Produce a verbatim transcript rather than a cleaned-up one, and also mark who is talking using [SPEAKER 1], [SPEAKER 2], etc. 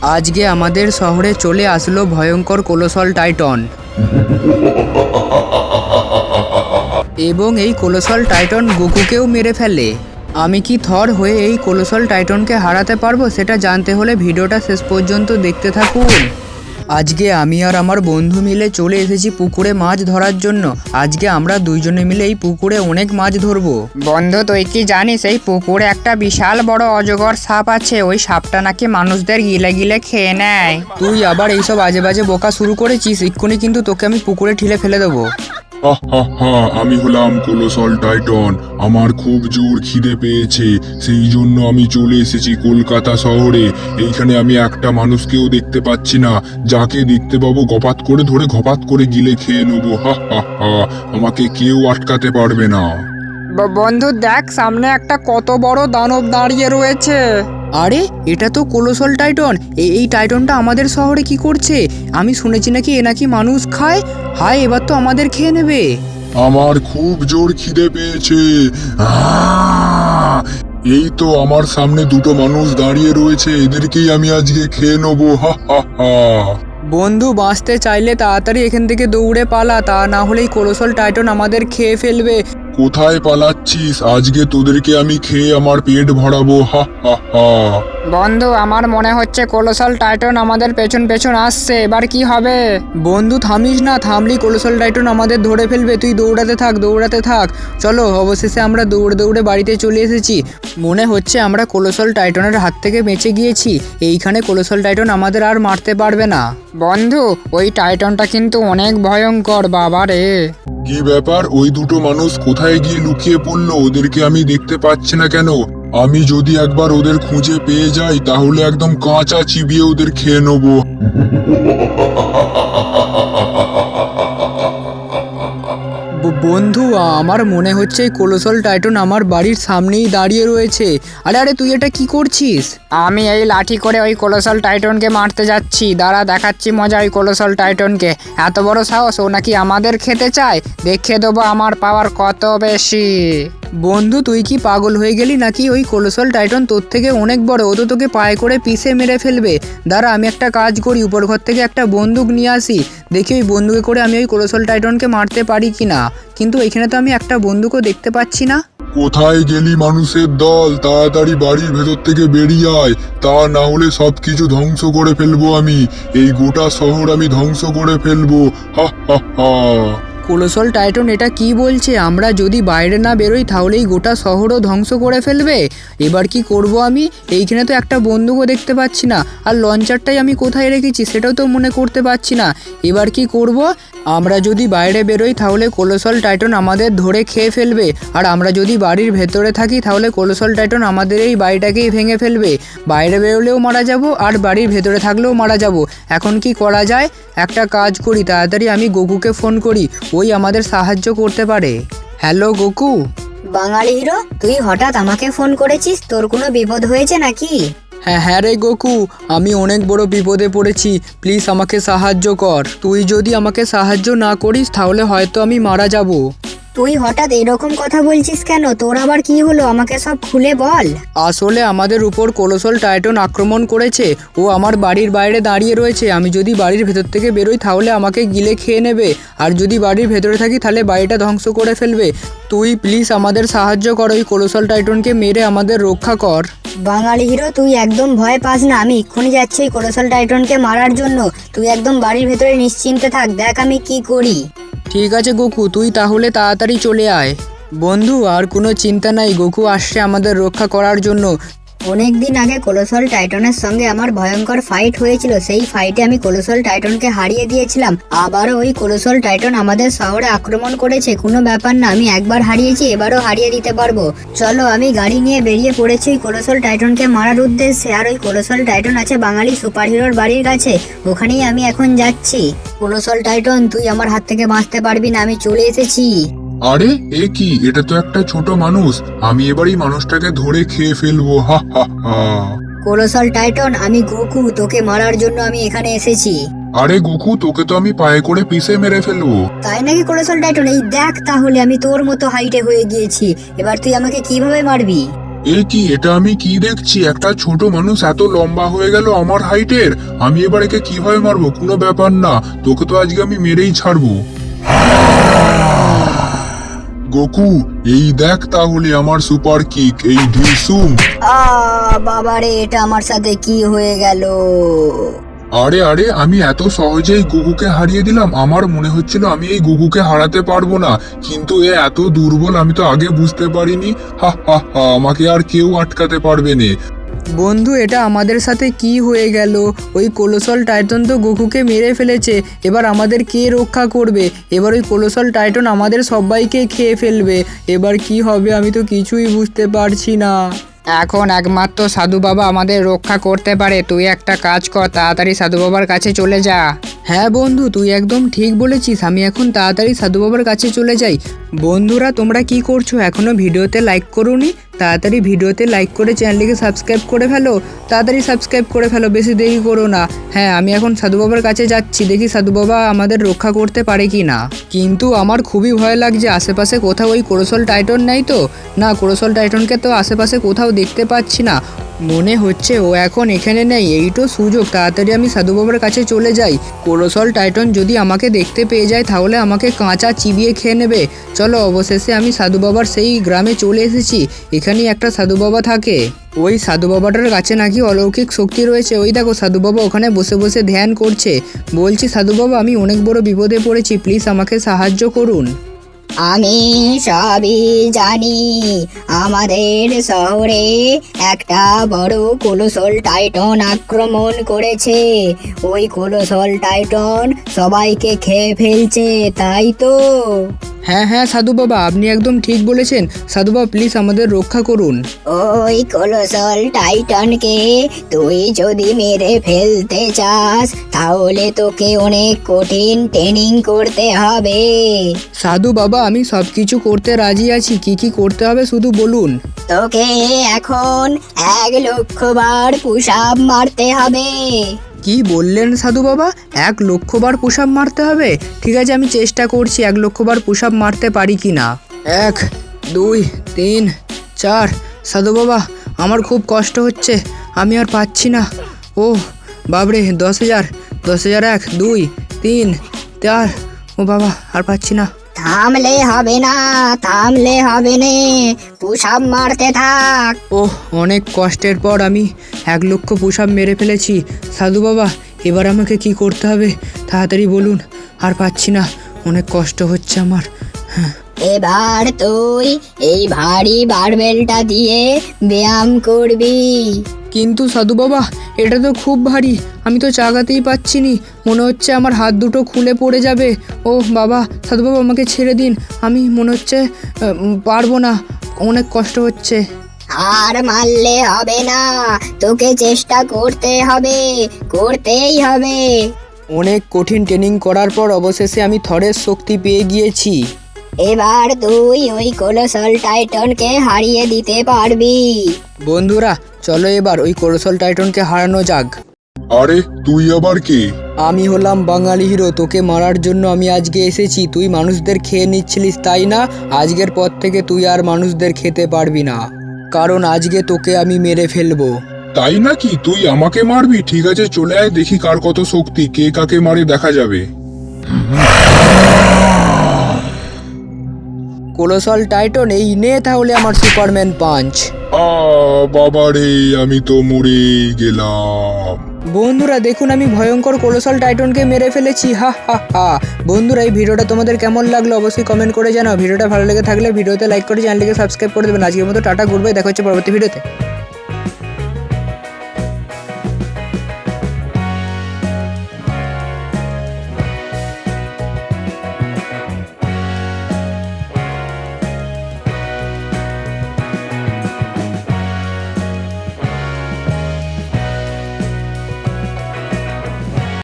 [SPEAKER 1] আজকে আমাদের শহরে চলে আসলো ভয়ঙ্কর কোলোসল টাইটন এবং এই কোলোসল টাইটন গোকুকেও মেরে ফেলে। আমি কি থর হয়ে এই কোলোসল টাইটনকে হারাতে পারবো সেটা জানতে হলে ভিডিওটা শেষ পর্যন্ত দেখতে থাকুন। আজকে আমি আর আমার বন্ধু মিলে চলে এসেছি পুকুরে মাছ ধরার জন্য। আজকে আমরা দুইজনে মিলে এই পুকুরে অনেক মাছ ধরবো।
[SPEAKER 2] বন্ধু, তুই কি জানিস এই পুকুরে একটা বিশাল বড় অজগর সাপ আছে? ওই সাপটা নাকি মানুষদের গিলে গিলে খেয়ে নেয়।
[SPEAKER 1] তুই আবার এইসব আজে বাজে বকা শুরু করেছিস, এক্ষুনি কিন্তু তোকে আমি পুকুরে ঠেলে ফেলে দেবো।
[SPEAKER 3] হা হা হা, আমি হলাম কোলোসল টাইটন। আমার খুব জোর খিদে পেয়েছে, সেই জন্য আমি চলে এসেছি কলকাতা শহরে। এইখানে আমি একটা মানুষকেও দেখতে পাচ্ছি না, যাকে দেখতে পাবো গপাত করে ধরে ঘপাত করে গিলে খেয়ে নেবো। হা হা হা, আমাকে কেউ আটকাতে পারবে না।
[SPEAKER 2] ব- বন্ধু দেখ, সামনে একটা কত বড় দানব দাঁড়িয়ে রয়েছে।
[SPEAKER 1] আরে এটা তো কোলোসল টাইটন। এই এই টাইটনটা আমাদের শহরে কি করছে? আমি শুনেছি নাকি এ নাকি মানুষ খায়। হায়, এবার তো আমাদের খেয়ে নেবে।
[SPEAKER 3] আমার খুব জোর খিদে পেয়েছে। আহ! এই তো আমার সামনে দুটো মানুষ দাঁড়িয়ে রয়েছে, এদেরকেই আমি আজকে খেয়ে নেবো। হা হা হা।
[SPEAKER 1] বন্ধু, বাঁচতে চাইলে তাড়াতাড়ি এখান থেকে দৌড়ে পালা, তা না হলে এই কোলোসল টাইটন আমাদের খেয়ে ফেলবে।
[SPEAKER 3] কোথায় পালাচ্ছিস? আজকে তোদেরকে আমি খেয়ে আমার পেট ভরাবো। হা হা হা।
[SPEAKER 2] বন্ধু, আমার মনে হচ্ছে কোলোসল টাইটন আমাদের পেছন পেছন আসছে। এবার কি হবে?
[SPEAKER 1] বন্ধু থামিস না, থামলি কোলোসল টাইটন আমাদের ধরে ফেলবে। তুই দৌড়াতে থাক, দৌড়াতে থাক। চলো, অবশেষে আমরা দৌড়ে দৌড়ে বাড়িতে চলে এসেছি। মনে হচ্ছে আমরা কোলোসল টাইটনের হাত থেকে বেঁচে গিয়েছি। এইখানে কোলোসল টাইটন আমাদের আর মারতে পারবে না।
[SPEAKER 2] বন্ধু, ওই টাইটনটা কিন্তু অনেক ভয়ঙ্কর, বাবা রে।
[SPEAKER 3] কি ব্যাপার? ওই দুটো মানুষ কোথায় গিয়ে লুকিয়ে পড়লো? ওদেরকে আমি দেখতে পাচ্ছি না কেন? আমি যদি একবার ওদের খুঁজে পেয়ে যাই তাহলে একদম কাঁচা চিবিয়ে ওদের খেয়ে নেবো।
[SPEAKER 1] ব- বন্ধু, আমার মনে হচ্ছে এই কোলোসল টাইটন আমার বাড়ির সামনেই দাঁড়িয়ে রয়েছে। আরে আরে, তুই এটা কি করছিস?
[SPEAKER 2] আমি এই লাঠি করে ওই কোলোসল টাইটনকে মারতে যাচ্ছি। দাঁড়া, দেখাচ্ছি মজা ওই কোলোসল টাইটনকে। এত বড় সাহস, ও নাকি আমাদের খেতে চায়। দেখিয়ে দেবো আমার পাওয়ার কত বেশি।
[SPEAKER 1] বন্ধু, তুই কি পাগল হয়ে গেলি নাকি? ওই কোলোসল টাইটন তোর থেকে অনেক বড়, ও তো তোকে পায়ে করে পিষে মেরে ফেলবে। দাঁড়া, আমি একটা কাজ করি, উপর ঘর থেকে একটা বন্দুক নিয়ে আসি। দেখি ওই বন্দুকে করে আমি ওই কোলোসল টাইটনকে মারতে পারি কি না। কিন্তু এখানে তো আমি একটা বন্দুকও দেখতে পাচ্ছি না।
[SPEAKER 3] কোথায় গেলি মানুষের দল? তাড়াতাড়ি বাড়ির ভেতর থেকে বেরিয়ে আয়, তা না হলে সবকিছু ধ্বংস করে ফেলবো আমি। এই গোটা শহর আমি ধ্বংস করে ফেলবো। হা হা হা।
[SPEAKER 1] কোলোসল টাইটন এটা কি বলছে? আমরা যদি বাইরে না বেরোই তাহলেই গোটা শহরও ধ্বংস করে ফেলবে। এবার কি করব আমি? এইখানে তো একটা বন্দুকও দেখতে পাচ্ছি না, আর লঞ্চারটাই আমি কোথায় রেখেছি সেটাও তো মনে করতে পারছি না। এবার কি করব? আমরা যদি বাইরে বেরোই তাহলে কোলোসল টাইটন আমাদের ধরে খেয়ে ফেলবে, আর আমরা যদি বাড়ির ভেতরে থাকি তাহলে কোলোসল টাইটন আমাদের এই বাড়িটাকেই ভেঙে ফেলবে। বাইরে বেরোলেও মারা যাব, আর বাড়ির ভেতরে থাকলেও মারা যাব। এখন কি করা যায়? একটা কাজ করি, তাড়াতাড়ি আমি গোকুকে ফোন করি, ওই আমাদের সাহায্য করতে পারে। Hello Goku.
[SPEAKER 4] বাঙালি হিরো, তুই হঠাৎ আমাকে ফোন করেছিস? তোর কোনো বিপদ হয়েছে নাকি?
[SPEAKER 1] হ্যাঁ হ্যাঁ রে গোকু, আমি অনেক বড় বিপদে পড়েছি, প্লিজ আমাকে সাহায্য কর। তুই যদি আমাকে সাহায্য না করিস তাহলে হয়তো আমি মারা যাব।
[SPEAKER 4] তুই হঠাৎ এরকম কথা বলছিস কেন? তোর আবার কি হলো? আমাকে সব খুলে বল।
[SPEAKER 1] আসলে আমাদের উপর কোলোসল টাইটন আক্রমণ করেছে। ও আমার বাড়ির বাইরে দাঁড়িয়ে রয়েছে। আমি যদি বাড়ির ভেতর থেকে বেরোই তাহলে আমাকে গিলে খেয়ে নেবে, আর যদি বাড়ির ভেতরে থাকি তাহলে বাড়িটা ধ্বংস করে ফেলবে। তুই প্লিজ আমাদের সাহায্য কর, ওই কোলোসল টাইটনকে মেরে আমাদের রক্ষা কর।
[SPEAKER 4] বাঙালি হিরো, তুই একদম ভয় পাস না। আমি এক্ষুনি যাচ্ছি এই কোলোসল টাইটনকে মারার জন্য। তুই একদম বাড়ির ভেতরে নিশ্চিন্তে থাক, দেখ আমি কি করি।
[SPEAKER 1] ঠিক আছে গোকু, তুই তাহলে তাড়াতাড়ি চলে আয়। বন্ধু, আর কোনো চিন্তা নাই, গোকু আসছে আমাদের রক্ষা করার জন্য।
[SPEAKER 4] অনেক দিন আগে কোলোসল টাইটনের সঙ্গে আমার ভয়ঙ্কর ফাইট হয়েছিল। সেই ফাইটে আমি কোলোসল টাইটনকে হারিয়ে দিয়েছিলাম। আবারও ওই কোলোসল টাইটন আমাদের শহরে আক্রমণ করেছে। কোনো ব্যাপার না, আমি একবার হারিয়েছি, এবারও হারিয়ে দিতে পারবো। চলো, আমি গাড়ি নিয়ে বেরিয়ে পড়েছি ওই কোলোসল টাইটনকে মারার উদ্দেশ্যে। আর ওই কোলোসল টাইটন আছে বাঙালি সুপার হিরোর বাড়ির কাছে, ওখানেই আমি এখন যাচ্ছি। কোলোসল টাইটন, তুই আমার হাত থেকে বাঁচতে পারবি না, আমি চলে এসেছি।
[SPEAKER 3] আরে এ কি? এটা তো একটা ছোট মানুষ। আমি এবার এই মানুষটাকে ধরে খেয়ে ফেলবো। হা হা হা।
[SPEAKER 4] কোলোসল টাইটন, আমি গোকু, তোকে মারার জন্য আমি এখানে এসেছি।
[SPEAKER 3] আরে গোকু, তোকে তো আমি পায়ে করে পিষে মেরে ফেলবো।
[SPEAKER 4] তাই নাকি কোলোসল টাইটন? এই দেখ, তাহলে আমি তোর মতো হাইটে হয়ে গিয়েছি। এবার তুই আমাকে কিভাবে মারবি?
[SPEAKER 3] এ কি, এটা আমি কি দেখছি? একটা ছোট মানুষ এত লম্বা হয়ে গেল আমার হাইটের। আমি এবার একে কিভাবে মারবো? কোনো ব্যাপার না, তোকে তো আজকে আমি মেরেই ছাড়বো। গোকু, এই দেখ তাহলে আমার সুপার কিক, এই ঢিসুম।
[SPEAKER 4] আ বাবারে, এটা আমার সাথে কি হয়ে গেল?
[SPEAKER 3] আরে আরে, আমি এত সহজেই গুগুকে হারিয়ে দিলাম। আমার মনে হচ্ছিল আমি এই গুগুকে হারাতে পারবো না, কিন্তু এ এত দুর্বল আমি তো আগে বুঝতে পারিনি। হা হা হা, আমাকে আর কেউ আটকাতে পারবে না।
[SPEAKER 1] বন্ধু, এটা আমাদের সাথে কি হয়ে গেল? ওই কোলোসল টাইটন তো গোকুকে মেরে ফেলেছে। এবার আমাদের কে রক্ষা করবে? এবার ওই কোলোসল টাইটন আমাদের সবাইকে খেয়ে ফেলবে। এবার কি হবে আমি তো কিছুই বুঝতে পারছি না।
[SPEAKER 2] এখন একমাত্র সাধু বাবা আমাদের রক্ষা করতে পারে। তুই একটা কাজ কর, তাড়াতাড়ি সাধু বাবার কাছে চলে যা।
[SPEAKER 1] হ্যাঁ বন্ধু, তুই একদম ঠিক বলেছিস। আমি এখন তাড়াতাড়ি সাধু বাবার কাছে চলে যাই। বন্ধুরা, তোমরা কি করছো? এখনো ভিডিওতে লাইক করোনি? তাড়াতাড়ি ভিডিওতে লাইক করে চ্যানেলটিকে সাবস্ক্রাইব করে ফেলো। তাড়াতাড়ি সাবস্ক্রাইব করে ফেলো, বেশি দেরি করো না। হ্যাঁ, আমি এখন সাধু বাবার কাছে যাচ্ছি, দেখি সাধু বাবা আমাদের রক্ষা করতে পারে কি না। কিন্তু আমার খুবই ভয় লাগছে। আশেপাশে কোথাও ওই কোলোসল টাইটন নেই তো? না, কোলোসল টাইটনকে তো আশেপাশে কোথাও দেখতে পাচ্ছি না। মনে হচ্ছে ও এখন এখানে নেই। এই তো সুযোগ, তাড়াতাড়ি আমি সাধু বাবার কাছে চলে যাই। কোলোসল টাইটন যদি আমাকে দেখতে পেয়ে যায় তাহলে আমাকে কাঁচা চিবিয়ে খেয়ে নেবে। চলো, অবশেষে আমি সাধু বাবার সেই গ্রামে চলে এসেছি। এখানেই একটা সাধু বাবা থাকে। ওই সাধু বাবাটার কাছে নাকি অলৌকিক শক্তি রয়েছে। ওই দেখো, সাধু বাবা ওখানে বসে বসে ধ্যান করছে। বলছি, সাধু বাবা, আমি অনেক বড় বিপদে পড়েছি, প্লিজ আমাকে সাহায্য করুন।
[SPEAKER 4] আমি সবই জানি। আমাদের শহরে একটা বড় কোলোসল টাইটন আক্রমণ করেছে। ওই কোলোসল টাইটন সবাইকে খেয়ে ফেলছে, তাই তো?
[SPEAKER 1] হ্যাঁ হ্যাঁ সাধু বাবা, আপনি একদম ঠিক বলেছেন। সাধু বাবা, প্লিজ আমাদের রক্ষা করুন।
[SPEAKER 4] ওই কোলোসল টাইটনকে তুই যদি মেরে ফেলতে চাস তাহলে তোকে অনেক কঠিন ট্রেনিং করতে হবে।
[SPEAKER 1] সাধু বাবা, আমি সব কিছু করতে রাজি আছি। কি কি করতে হবে শুধু বলুন।
[SPEAKER 4] তোকে এখন এক লক্ষ বার পুশ আপ মারতে হবে।
[SPEAKER 1] কি বললেন সাধু বাবা? এক লক্ষ বার পুশ আপ মারতে হবে? ঠিক আছে, আমি চেষ্টা করছি এক লক্ষ বার পুশ আপ মারতে পারি কি না। এক, দুই, তিন, চার। সাধু বাবা, আমার খুব কষ্ট হচ্ছে, আমি আর পাচ্ছি না। ও বাবরে, দশ হাজার দশ হাজার এক, দুই, তিন, চার। ও বাবা, আর পাচ্ছি না।
[SPEAKER 4] থামলে হবে না, থামলে হবে না, পুশ আপ মারতে থাক।
[SPEAKER 1] ওহ, অনেক কষ্টের পর আমি এক লক্ষ পুশ আপ মেরে ফেলেছি। সাধু বাবা, এবার আমাকে কি করতে হবে তাড়াতাড়ি বলুন। আর পাচ্ছি না, অনেক কষ্ট হচ্ছে আমার। হ্যাঁ,
[SPEAKER 4] এবার তুই এই ভারী বারবেলটা দিয়ে ব্যায়াম করবি।
[SPEAKER 1] কিন্তু সাধু বাবা, এটা তো খুব ভারী, আমি তো চাগাতেই পাচ্ছি নি। মনে হচ্ছে আমার হাত দুটো খুলে পড়ে যাবে। ও বাবা, সাধু বাবা আমাকে ছেড়ে দিন, আমি মনে হচ্ছে আহ, পারবো না, অনেক কষ্ট হচ্ছে।
[SPEAKER 4] আর মারলে হবে না, তোকে চেষ্টা করতে হবে, করতেই হবে।
[SPEAKER 1] অনেক কঠিন ট্রেনিং করার পর অবশেষে আমি থরের শক্তি পেয়ে গিয়েছি।
[SPEAKER 4] এবার তুই ওই কোলোসল টাইটনকে হারিয়ে দিতে পারবি।
[SPEAKER 1] বন্ধুরা, চলো এবার ওই কোলোসল টাইটনকে হারানো যাক।
[SPEAKER 3] আরে, তুই আবার কে?
[SPEAKER 1] আমি হলাম বাঙালি হিরো, তোকে মারার জন্য আমি আজকে এসেছি। তুই মানুষদের খেয়ে নিচ্ছিলিস, তাই না? আজকের পর থেকে তুই আর মানুষদের খেতে পারবি না, কারণ আজকে তোকে আমি মেরে ফেলবো।
[SPEAKER 3] তাই নাকি? তুই আমাকে মারবি? ঠিক আছে, চলে আয়, দেখি কার কত শক্তি, কে কাকে মারে দেখা যাবে।
[SPEAKER 1] কোলোসল টাইটন, এই নে তাহলে আমার সুপারম্যান পাঞ্চ।
[SPEAKER 3] আ বাবা রে, আমি তো মরেই গেলাম।
[SPEAKER 1] বন্ধুরা দেখুন, আমি ভয়ঙ্কর কোলোসল টাইটনকে মেরে ফেলেছি। হা হা হা। বন্ধুরা, এই ভিডিওটা তোমাদের কেমন লাগলো অবশ্যই কমেন্ট করে জানাও। ভিডিওটা ভালো লেগে থাকলে ভিডিওতে লাইক করে চ্যানেলটিকে সাবস্ক্রাইব করে দেবেন। আজকের মতো টাটা, গুড বাই, দেখা হচ্ছে পরবর্তী ভিডিওতে।